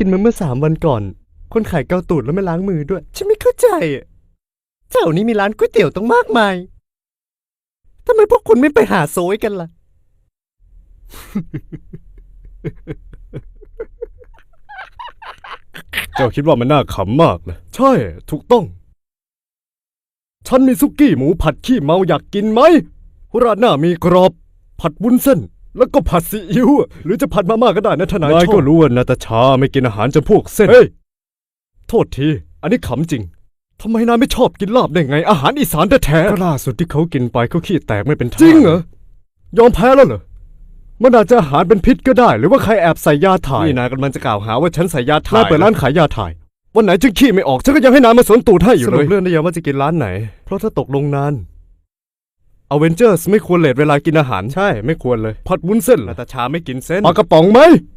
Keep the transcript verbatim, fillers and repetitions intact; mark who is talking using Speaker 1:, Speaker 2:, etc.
Speaker 1: กินมาเมื่อสามวันก่อนคนขายเกาตูดแล้วไม่ล้างมือด้วยฉันไม่เข้าใจแถวนี้มีร้านก๋วยเตี๋ยวตั้งมากมายทำไมพวกคุณไม่ไปหาโซยกันล่ะ
Speaker 2: เจ้าคิดว่ามันน่าขำมากนะใช่ถูกต้องฉันมีซุกี้หมูผัดขี้เมาอยากกินไหมราดหน้ามีกรอบผัดวุ้นเส้นแล้วก็ผัดซีอิ๊วหรือจะผัดมาม่าก็ได้นะทนายชอบนายก็รู้ว่านาตาชาไม่กินอาหารจำพวกเส้นเฮ้ยโทษทีอันนี้ขำจริงทำไมนายไม่ชอบกินลาบได้ไงอาหารอีสานแท้ๆก็ล่าสุดที่เขากินไปเขาขี้แตกไม่เป็นท่าจริงเหรอยอมแพ้แล้วเหรอมันอาจจะอาหารเป็นพิษก็ได้หรือว่าใครแอบใส่ยาถ่ายนี่นายกำลังจะกล่าวหาว่าฉันใส่ยาถ่ายนายเปิดร้านขายยาถ่ายวันไหนจึงขี้ไม่ออกฉันก็ยังให้นายมาสวนตูดให้อยู่เลยสรุปเรื่องได้ยังว่าจะกินร้านไหนเพราะถ้าตกลงนานอเวนเจอร์สไม่ควรเลทเวลากินอาหารใช่ไม่ควรเลยผัดวุ้นเส้นนาตาชาไม่กินเส้นปลากระป๋องไหม